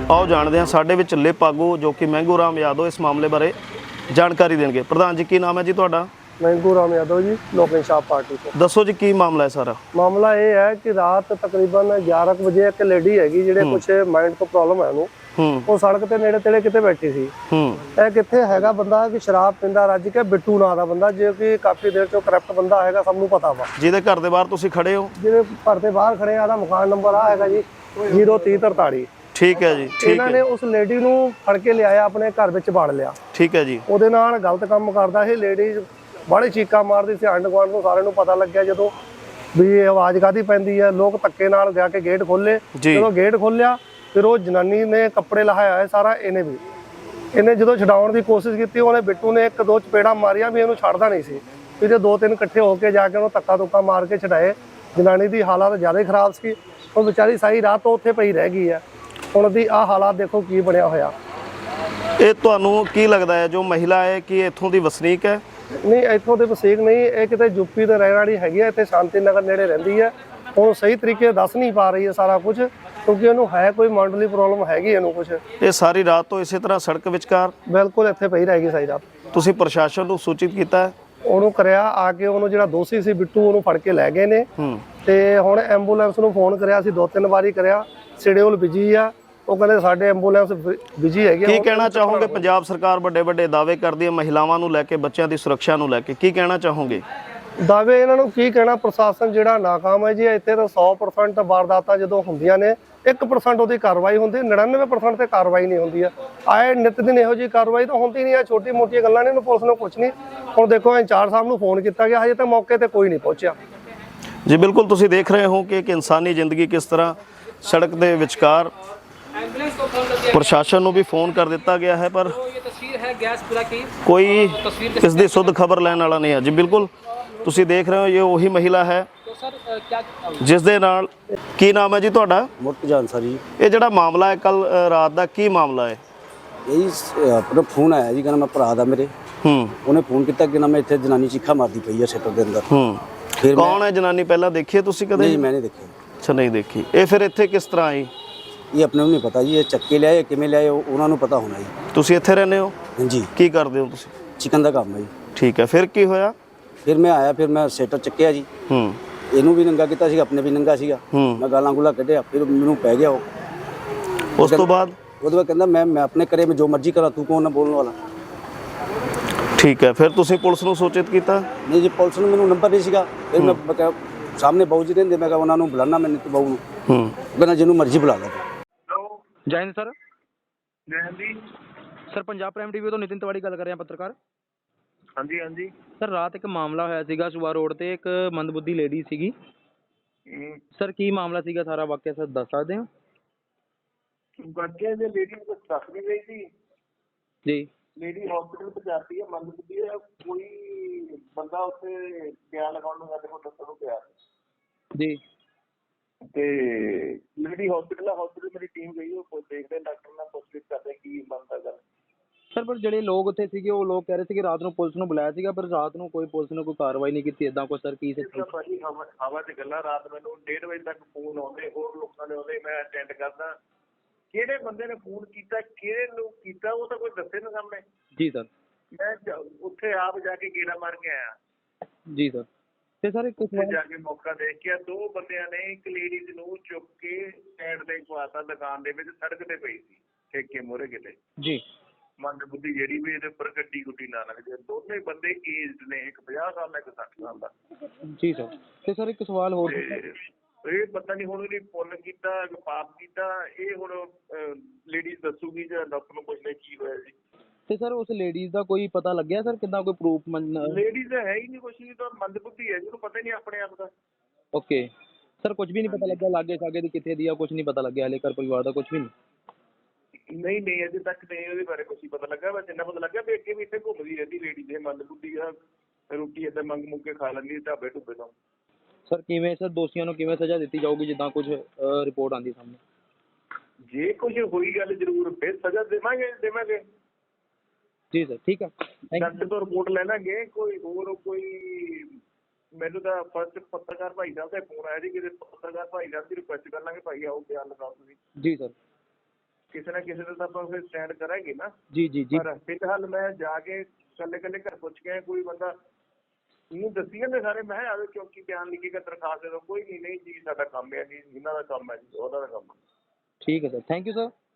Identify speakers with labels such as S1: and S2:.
S1: आओ जानते हैं साडे विच लिप आगू जो कि मैंगू राम यादव इस मामले बारे जानकारी देंगे। प्रधान जी की नाम है जी तुहाडा?
S2: मैंगू राम यादव जी, लोक इंसाफ पार्टी ਤੋਂ।
S1: दसो जी की मामला है सारा?
S2: ਮਾਮਲਾ ਇਹ ਹੈ ਕਿ ਰਾਤ ਤਕਰੀਬਨ 11 ਕੁ ਵਜੇ ਇੱਕ ਲੇਡੀ ਹੈਗੀ ਜਿਹੜੇ ਕੁਛ ਮਾਈਂਡ ਤੋਂ ਪ੍ਰੋਬਲਮ ਹੈ ਉਹਨੂੰ, ਉਹ ਸੜਕ ਤੇ ਨੇੜੇ ਤੇੜੇ ਕਿਤੇ ਬੈਠੀ ਸੀ। ਇਹ ਕਿੱਥੇ ਹੈਗਾ ਬੰਦਾ ਕਿ ਸ਼ਰਾਬ ਪੀਂਦਾ ਰੱਜ ਕੇ, ਬਿੱਟੂ ਨਾਂ ਦਾ ਬੰਦਾ, ਜੋ ਕਿ ਕਾਫੀ ਦੇਰ ਤੋਂ ਕਰਪਟ ਬੰਦਾ ਹੈਗਾ, ਸਭ ਨੂੰ ਪਤਾ ਵਾ।
S1: ਜਿਹਦੇ ਘਰ ਦੇ ਬਾਹਰ ਤੁਸੀਂ ਖੜੇ ਹੋ?
S2: ਜਿਹਦੇ ਘਰ ਦੇ ਬਾਹਰ ਖੜੇ ਆ, ਦਾ ਮਕਾਨ ਨੰਬਰ ਆ ਹੈਗਾ ਜੀ 0343।
S1: ठीक है जी।
S2: ਇਹਨਾਂ ਨੇ ਉਸ ਲੇਡੀ ਨੂੰ ਫੜ ਕੇ ਲਿਆਇਆ, ਆਪਣੇ ਘਰ ਵਿੱਚ ਬਾੜ ਲਿਆ।
S1: ठीक है जी।
S2: ਉਹਦੇ ਨਾਲ ਗਲਤ ਕੰਮ ਕਰਦਾ ਇਹ ਲੇਡੀ, ਬੜੀ ਚੀਕਾਂ ਮਾਰਦੀ ਸੀ। ਆਂਢ ਗੁਆਂਢ ਨੂੰ ਸਾਰਿਆਂ ਨੂੰ ਪਤਾ ਲੱਗਿਆ ਜਦੋਂ ਵੀ ਇਹ ਆਵਾਜ਼ ਕਾਹਦੀ ਪੈਂਦੀ ਹੈ। ਲੋਕ ਧੱਕੇ ਨਾਲ ਜਾ ਕੇ ਗੇਟ ਖੋਲੇ। ਜਦੋਂ ਗੇਟ ਖੋਲਿਆ ਫਿਰ ਉਹ ਜਨਾਨੀ ਨੇ ਕੱਪੜੇ ਲਹਾਇਆ ਹੈ ਸਾਰਾ। ਇਹਨੇ ਜਦੋਂ ਛਡਾਉਣ ਦੀ ਕੋਸ਼ਿਸ਼ ਕੀਤੀ, ਉਹਨੇ ਬਿੱਟੂ ਨੇ ਇੱਕ ਦੋ ਚਪੇੜਾਂ ਮਾਰੀਆਂ ਵੀ ਇਹਨੂੰ ਛੱਡਦਾ ਨਹੀਂ ਸੀ। ਵੀ ਜੇ ਦੋ ਤਿੰਨ ਇਕੱਠੇ ਹੋ ਕੇ ਜਾ ਕੇ ਉਹਨੂੰ ਧੱਕਾ ਧੁੱਕਾ ਮਾਰ ਕੇ ਛਡਾਏ। ਜਨਾਨੀ ਦੀ ਹਾਲਤ ਜ਼ਿਆਦਾ ਖਰਾਬ ਸੀ, ਉਹ ਵਿਚਾਰੀ ਸਾਰੀ ਰਾਤ ਤੋਂ ਉੱਥੇ ਪਈ ਰਹਿ ਗਈ ਹੈ। ਹੁਣ ਦੀ ਆਹ ਹਾਲਾਤ ਦੇਖੋ ਕੀ ਬਣਿਆ ਹੋਇਆ।
S1: ਇਹ ਤੁਹਾਨੂੰ ਕੀ ਲੱਗਦਾ ਹੈ ਜੋ ਮਹਿਲਾ ਹੈ ਕਿ ਇੱਥੋਂ ਦੀ ਵਸਨੀਕ ਹੈ?
S2: ਨਹੀਂ, ਇੱਥੋਂ ਦੇ ਵਸਨੀਕ ਨਹੀਂ, ਇਹ ਕਿਤੇ ਯੂਪੀ ਦੇ ਰਹਿਣ ਵਾਲੀ ਹੈਗੀ ਹੈ। ਇੱਥੇ ਸ਼ਾਂਤੀ ਨਗਰ ਨੇੜੇ ਰਹਿੰਦੀ ਹੈ। ਹੁਣ ਸਹੀ ਤਰੀਕੇ ਦੱਸ ਨਹੀਂ ਪਾ ਰਹੀ ਹੈ ਸਾਰਾ ਕੁਝ, ਕਿਉਂਕਿ ਉਹਨੂੰ ਹੈ ਕੋਈ ਮੈਂਟਲੀ ਪ੍ਰੋਬਲਮ ਹੈਗੀ ਇਹਨੂੰ ਕੁਝ।
S1: ਇਹ ਸਾਰੀ ਰਾਤ ਤੋਂ ਇਸੇ ਤਰ੍ਹਾਂ ਸੜਕ ਵਿਚਕਾਰ
S2: ਬਿਲਕੁਲ ਇੱਥੇ ਪਈ ਰਹੇਗੀ ਸਾਰੀ ਰਾਤ।
S1: ਤੁਸੀਂ ਪ੍ਰਸ਼ਾਸਨ ਨੂੰ ਸੂਚਿਤ ਕੀਤਾ ਹੈ?
S2: ਉਹਨੂੰ ਕਰਿਆ, ਆ ਕੇ ਉਹਨੂੰ ਜਿਹੜਾ ਦੋਸ਼ੀ ਸੀ ਬਿੱਟੂ, ਉਹਨੂੰ ਫੜ ਕੇ ਲੈ ਗਏ ਨੇ। ਤੇ ਹੁਣ ਐਂਬੂਲੈਂਸ ਨੂੰ ਫੋਨ ਕਰਿਆ ਸੀ, 2-3 ਵਾਰੀ ਕਰਿਆ, ਸ਼ਡਿਊਲ ਬਿਜੀ ਆ। ਉਹ ਕਹਿੰਦੇ ਸਾਡੇ ਐਂਬੂਲੈਂਸ ਬਿਜੀ ਹੈਗੀ।
S1: ਕੀ ਕਹਿਣਾ ਚਾਹੋਗੇ? ਪੰਜਾਬ ਸਰਕਾਰ ਵੱਡੇ ਵੱਡੇ ਦਾਅਵੇ ਕਰਦੀ ਹੈ ਮਹਿਲਾਵਾਂ ਨੂੰ ਲੈ ਕੇ, ਬੱਚਿਆਂ ਦੀ ਸੁਰੱਖਿਆ ਨੂੰ ਲੈ ਕੇ, ਕੀ ਕਹਿਣਾ ਚਾਹੋਗੇ?
S2: ਦਾਅਵੇ ਇਹਨਾਂ ਨੂੰ ਕੀ ਕਹਿਣਾ, ਪ੍ਰਸ਼ਾਸਨ ਜਿਹੜਾ ਨਾਕਾਮ ਹੈ ਜੀ। ਇੱਥੇ ਤਾਂ 100% ਵਾਰਦਾਤਾਂ ਜਦੋਂ ਹੁੰਦੀਆਂ ਨੇ 1% ਉਹਦੀ ਕਾਰਵਾਈ ਹੁੰਦੀ, 99% ਤੇ ਕਾਰਵਾਈ ਨਹੀਂ ਹੁੰਦੀ ਆ। ਆਏ ਨਿਤ ਦਿਨ ਇਹੋ ਜਿਹੀ ਕਾਰਵਾਈ ਤਾਂ ਹੁੰਦੀ ਨਹੀਂ ਆ। ਛੋਟੀ ਮੋਟੀਆਂ ਗੱਲਾਂ ਨੇ, ਇਹਨੂੰ ਪੁਲਿਸ ਨੂੰ ਕੁਝ ਨਹੀਂ। ਹੁਣ ਦੇਖੋ ਇੰਚਾਰਜ ਸਾਹਿਬ ਨੂੰ ਫੋਨ ਕੀਤਾ ਗਿਆ, ਹਜੇ ਤੱਕ ਮੌਕੇ ਤੇ ਕੋਈ ਨਹੀਂ ਪਹੁੰਚਿਆ
S1: ਜੀ। ਬਿਲਕੁਲ ਤੁਸੀਂ ਦੇਖ ਰਹੇ ਹੋ ਕਿ ਇੱਕ ਇਨਸਾਨੀ ਜ਼ਿੰਦਗੀ ਕਿਸ ਤਰ੍ਹਾਂ ਸੜਕ ਦੇ ਵਿਚਕਾਰ। ਪ੍ਰਸ਼ਾਸਨ ਨੂੰ ਵੀ ਫੋਨ ਕਰ ਦਿੱਤਾ ਗਿਆ ਹੈ, ਪਰ ਕੋਈ ਇਸ ਦੀ ਸੁੱਧ ਖਬਰ ਲੈਣ ਵਾਲਾ ਨਹੀਂ ਹੈ ਜੀ। ਬਿਲਕੁਲ ਤੁਸੀਂ ਦੇਖ ਰਹੇ ਹੋ ਇਹ ਉਹੀ ਮਹਿਲਾ ਹੈ ਜਿਸ ਦੇ ਨਾਲ। ਕੀ ਨਾਮ ਹੈ ਜੀ ਤੁਹਾਡਾ?
S3: ਮੁਰਤਜ਼ਾਨ ਸਰ ਜੀ।
S1: ਇਹ ਜਿਹੜਾ ਮਾਮਲਾ ਹੈ ਕੱਲ ਰਾਤ ਦਾ, ਕੀ ਮਾਮਲਾ ਹੈ?
S3: ਇਹ ਆਪਣਾ ਫੋਨ ਆਇਆ ਜੀ, ਕਹਿੰਦਾ ਮੈਂ ਭਰਾ ਦਾ ਮੇਰੇ। ਉਹਨੇ ਫੋਨ ਕੀਤਾ ਕਿ ਨਾ ਮੈਂ ਇੱਥੇ ਜਨਾਨੀ ਚੀਖਾ ਮਾਰਦੀ ਪਈ ਹੈ ਸ਼ਟਰ ਦੇ ਅੰਦਰ।
S1: ਫਿਰ ਕੌਣ ਹੈ ਜਨਾਨੀ? ਪਹਿਲਾਂ ਦੇਖੀ ਹੈ ਤੁਸੀਂ ਕਦੇ?
S3: ਨਹੀਂ, ਮੈਂ ਨਹੀਂ ਦੇਖੀ।
S1: ਅੱਛਾ, ਨਹੀਂ ਦੇਖੀ। ਇਹ ਫਿਰ ਇੱਥੇ ਕਿਸ ਤਰ੍ਹਾਂ ਆਈ?
S3: ਇਹ ਆਪਣੇ ਨੂੰ ਨਹੀਂ ਪਤਾ ਜੀ, ਇਹ ਚੱਕੇ ਲਿਆਏ ਕਿਵੇਂ ਲਿਆਏ ਉਹਨਾਂ ਨੂੰ ਪਤਾ ਹੋਣਾ ਜੀ।
S1: ਤੁਸੀਂ ਇੱਥੇ ਰਹਿੰਦੇ ਹੋ?
S3: ਹਾਂਜੀ।
S1: ਕੀ ਕਰਦੇ ਹੋ ਤੁਸੀਂ?
S3: ਚਿਕਨ ਦਾ ਕੰਮ ਹੈ ਜੀ।
S1: ਠੀਕ ਹੈ, ਫਿਰ ਕੀ ਹੋਇਆ?
S3: ਫਿਰ ਮੈਂ ਆਇਆ, ਫਿਰ ਮੈਂ ਸ਼ਟਰ ਚੱਕਿਆ ਜੀ। ਇਹਨੂੰ ਵੀ ਨੰਗਾ ਕੀਤਾ ਸੀ, ਆਪਣੇ ਵੀ ਨੰਗਾ ਸੀਗਾ। ਮੈਂ ਗਾਲਾਂ ਗੁਲਾ ਕੱਢਿਆ, ਫਿਰ ਮੈਨੂੰ ਪੈ ਗਿਆ ਉਹ।
S1: ਉਸ ਤੋਂ ਬਾਅਦ? ਉਹਦੇ
S3: ਬਾਅਦ ਕਹਿੰਦਾ ਮੈਂ ਆਪਣੇ ਘਰੇ ਮੈਂ ਜੋ ਮਰਜ਼ੀ ਕਰਾਂ, ਤੂੰ ਕੌਣ ਨਾ ਬੋਲਣ ਵਾਲਾ।
S1: ਠੀਕ ਹੈ, ਫਿਰ ਤੁਸੀਂ ਪੁਲਿਸ ਨੂੰ ਸੂਚਿਤ ਕੀਤਾ?
S3: ਨਹੀਂ ਜੀ, ਪੁਲਿਸ ਨੂੰ ਮੈਨੂੰ ਨੰਬਰ ਨਹੀਂ ਸੀਗਾ। ਫਿਰ ਮੈਂ ਕਿਹਾ ਸਾਹਮਣੇ ਬਾਊ ਜੀ ਰਹਿੰਦੇ, ਮੈਂ ਕਿਹਾ ਉਹਨਾਂ ਨੂੰ ਬੁਲਾਣਾ, ਮੈਂ ਬਾਊ ਨੂੰ। ਕਹਿੰਦਾ ਜਿਹਨੂੰ ਮਰਜ਼ੀ ਬੁਲਾ ਲਾ।
S4: ਜੈ ਹਿੰਦ ਸਰ। ਜੈ ਹਿੰਦ ਜੀ ਸਰ। ਪੰਜਾਬ ਪ੍ਰਾਈਮ ਟੀਵੀ ਤੋਂ ਨਿਤਿਨ ਤਿਵਾੜੀ ਗੱਲ ਕਰ ਰਿਹਾ, ਪੱਤਰਕਾਰ।
S5: ਹਾਂਜੀ ਹਾਂਜੀ
S4: ਸਰ, ਰਾਤ ਇੱਕ ਮਾਮਲਾ ਹੋਇਆ ਸੀਗਾ ਸੁਬਾ ਰੋਡ ਤੇ, ਇੱਕ ਮੰਦਬੁੱਧੀ ਲੇਡੀ ਸੀਗੀ ਸਰ। ਕੀ ਮਾਮਲਾ ਸੀਗਾ ਸਾਰਾ ਵਾਕਿਆ ਸਰ ਦੱਸ ਸਕਦੇ ਹੋ?
S5: ਵਾਕਿਆ ਜੇ ਲੇਡੀ ਨੂੰ ਦੱਸ ਨਹੀਂ ਰਹੀ ਸੀ
S4: ਜੀ।
S5: ਲੇਡੀ ਹਸਪੀਟਲ ਪਹੁੰਚਾਤੀ ਹੈ, ਮੰਦਬੁੱਧੀ ਹੈ। ਕੋਈ ਬੰਦਾ ਉੱਥੇ ਬਿਆਨ ਲਗਾਉਣ ਨੂੰ ਸਾਡੇ ਕੋਲ ਦੱਸਣ ਨੂੰ ਪਿਆ
S4: ਜੀ।
S5: ਤੇ ਲੇਡੀ ਹਸਪੀਟਲ ਮੇਰੀ ਟੀਮ ਗਈ, ਉਹ ਦੇਖਦੇ ਡਾਕਟਰ ਨਾਲ ਪੁੱਛਗਿੱਛ ਕਰਦੇ ਕੀ ਬਣਦਾ ਗੱਲ।
S4: ਸਰ, ਪਰ ਜਿਹੜੇ ਲੋਕ ਉੱਥੇ ਸੀਗੇ ਉਹ ਲੋਕ ਕਹਿ ਰਹੇ ਸੀ ਕਿ ਰਾਤ ਨੂੰ ਪੁਲਿਸ ਨੂੰ ਬੁਲਾਇਆ ਸੀਗਾ, ਪਰ ਰਾਤ ਨੂੰ ਕੋਈ ਪੁਲਿਸ ਨੇ ਕੋਈ ਕਾਰਵਾਈ ਨਹੀਂ ਕੀਤੀ ਏਦਾਂ ਕੋਈ। ਸਰ ਕੀ
S5: ਭਾਜੀ ਹਵਾ ਤੇ ਗੱਲਾਂ। ਰਾਤ ਮੈਨੂੰ 1:30 ਵਜੇ ਤੱਕ ਫੋਨ ਆਉਂਦੇ, ਹੋਰ ਲੋਕਾਂ ਦੇ ਆਉਂਦੇ, ਮੈਂ ਅਟੈਂਡ ਕਰਦਾ। ਕਿਹੜੇ ਬੰਦੇ ਨੇ ਫੋਨ ਕੀਤਾ, ਕਿਹੜੇ ਨੂੰ ਕੀਤਾ, ਉਹ ਤਾਂ ਕੋਈ ਦੱਸੇ ਨਾ ਸਾਹਮਣੇ।
S4: ਜੀ ਸਰ।
S5: ਮੈਂ ਉੱਥੇ ਆਪ ਜਾ ਕੇ ਗੇੜਾ ਮਾਰ ਕੇ ਆਇਆ।
S4: ਜੀ ਸਰ। ਤੇ ਸਰ ਇੱਕ
S5: ਜਾ ਕੇ ਮੌਕਾ ਦੇਖ ਕੇ 2 ਬੰਦਿਆਂ ਨੇ ਇੱਕ ਲੇਡੀਜ਼ ਨੂੰ ਚੁੱਕ ਕੇ ਸਾਈਡ ਤੇ ਖਵਾਤਾ, ਦੁਕਾਨ ਦੇ ਵਿੱਚ ਸੜਕ ਤੇ ਪਈ ਸੀ ਠੇਕੇ ਮੋਰੇ ਕਿਤੇ।
S4: ਜੀ।
S5: ਮੰਦਬੁੱਧੀ ਜਿਹੜੀ ਵੀ ਇਹਦੇ ਉੱਪਰ ਗੱਡੀ ਗੁੱਡੀ ਨਾ ਲੱਗ ਜਾਏ। ਦੋਨੇ ਬੰਦੇ ਏਜਡ ਨੇ, ਇੱਕ 50 ਸਾਲ ਦਾ, ਇੱਕ 60 ਸਾਲ ਦਾ।
S4: ਜੀ ਸਰ। ਤੇ ਸਰ ਇੱਕ ਸਵਾਲ ਹੋਰ,
S5: ਇਹ ਪਤਾ ਨਹੀਂ ਹੁਣ ਇਹਨੇ ਪੁੰਨ ਕੀਤਾ ਕਿ ਪਾਪ ਕੀਤਾ, ਇਹ ਹੁਣ ਲੇਡੀਜ਼ ਦੱਸੂਗੀ ਜਾਂ ਡਾਕਟਰ ਨੂੰ ਪੁੱਛਦੇ ਕੀ ਹੋਇਆ ਜੀ।
S4: ਤੇ ਸਰ ਉਸ ਲੇਡੀਜ਼ ਦਾ ਕੋਈ ਪਤਾ ਲੱਗਿਆ ਸਰ, ਕਿੱਦਾਂ ਕੋਈ ਪ੍ਰੂਫ?
S5: ਲੇਡੀਜ਼ ਹੈ ਹੀ ਨਹੀਂ, ਕੁਛ ਨਹੀਂ, ਤਾਂ ਮੰਦਬੁੱਧੀ ਹੈ, ਜਿਹਨੂੰ ਪਤਾ ਹੀ ਨਹੀਂ ਆਪਣੇ ਆਪ ਦਾ।
S4: ਓਕੇ ਸਰ, ਕੁਝ ਵੀ ਨਹੀਂ ਪਤਾ ਲੱਗਿਆ ਲਾਗੇ ਸਾਗੇ ਦੀ ਕਿੱਥੇ ਦੀ ਆ? ਕੁਝ ਨਹੀਂ ਪਤਾ ਲੱਗਿਆ ਹਲੇ ਘਰ ਪਰਿਵਾਰ ਦਾ? ਕੁਝ ਵੀ ਨਹੀਂ?
S5: ਨਹੀਂ ਅਜੇ ਤੱਕ ਨਹੀਂ ਉਹਦੇ ਬਾਰੇ ਕੁਛ ਨਹੀਂ ਪਤਾ ਲੱਗਾ। ਬਸ ਇੰਨਾ ਪਤਾ ਲੱਗਾ ਵੀ ਅੱਗੇ ਵੀ ਇੱਥੇ ਘੁੰਮਦੀ ਰਹਿੰਦੀ ਲੇਡੀ। ਦੇ ਮੰਦਬੁੱਧੀ ਆ, ਰੋਟੀ ਏਦਾਂ ਮੰਗ ਮੁੱਕ ਕੇ ਖਾ ਲੈਂਦੀ ਢਾਬੇ ਢੁੱਬੇ ਤੋਂ।
S4: ਸਰ ਕਿਵੇਂ ਸਰ ਦੋਸ਼ੀਆਂ ਨੂੰ ਕਿਵੇਂ ਸਜ਼ਾ ਦਿੱਤੀ ਜਾਊਗੀ ਜਿੱਦਾਂ ਕੁਝ ਰਿਪੋਰਟ ਆਉਂਦੀ ਸਾਹਮਣੇ?
S5: ਜੇ ਕੁਝ ਹੋਈ ਗੱਲ ਜ਼ਰੂਰ ਫਿਰ ਸਜ਼ਾ ਦੇਵਾਂਗੇ।
S4: ਜੀ ਸਰ, ਠੀਕ ਹੈ।
S5: ਡਾਕਟਰ ਤੋਂ ਰਿਪੋਰਟ ਲੈ ਲਾਂਗੇ। ਕੋਈ ਹੋਰ ਕੋਈ ਮੈਨੂੰ ਤਾਂ ਫਸਟ ਪੱਤਰਕਾਰ ਭਾਈ ਸਾਹਿਬ ਦਾ ਫੋਨ ਆਇਆ ਜੀ, ਕਿ ਪੱਤਰਕਾਰ ਭਾਈ ਸਾਹਿਬ ਦੀ ਰਿਕੁਐਸਟ ਕਰ ਲਾਂਗੇ, ਭਾਈ ਆਓ ਬਿਆਨ ਲਗਾਓ ਤੁਸੀਂ।
S4: ਜੀ ਸਰ।
S5: ਕਿਸੇ ਨਾ ਕਿਸੇ ਦਾ ਤਾਂ ਆਪਾਂ ਫਿਰ ਸਟੈਂਡ ਕਰਾਂਗੇ ਨਾ।
S4: ਜੀ ਜੀ ਜੀ
S5: ਪਰ ਫਿਲਹਾਲ ਮੈਂ ਜਾ ਕੇ ਕੱਲੇ ਘਰ ਪੁੱਛ ਕੇ ਆਇਆ, ਕੋਈ ਬੰਦਾ ਨੂੰ ਦੱਸੀ ਜਾਂਦੇ ਸਾਰੇ, ਮੈਂ ਆਵੇ ਚੌਕੀ ਬਿਆਨ ਲਿਖੇਗਾ, ਦਰਖਾਸਤ ਦੇ ਦੋ, ਕੋਈ ਨਹੀਂ ਜੀ ਸਾਡਾ ਕੰਮ ਹੈ ਜੀ, ਇਹਨਾਂ ਦਾ ਕੰਮ ਹੈ ਜੀ, ਉਹਦਾ ਦਾ ਕੰਮ ਹੈ।
S4: ਠੀਕ ਹੈ ਸਰ, ਥੈਂਕ ਯੂ ਸਰ।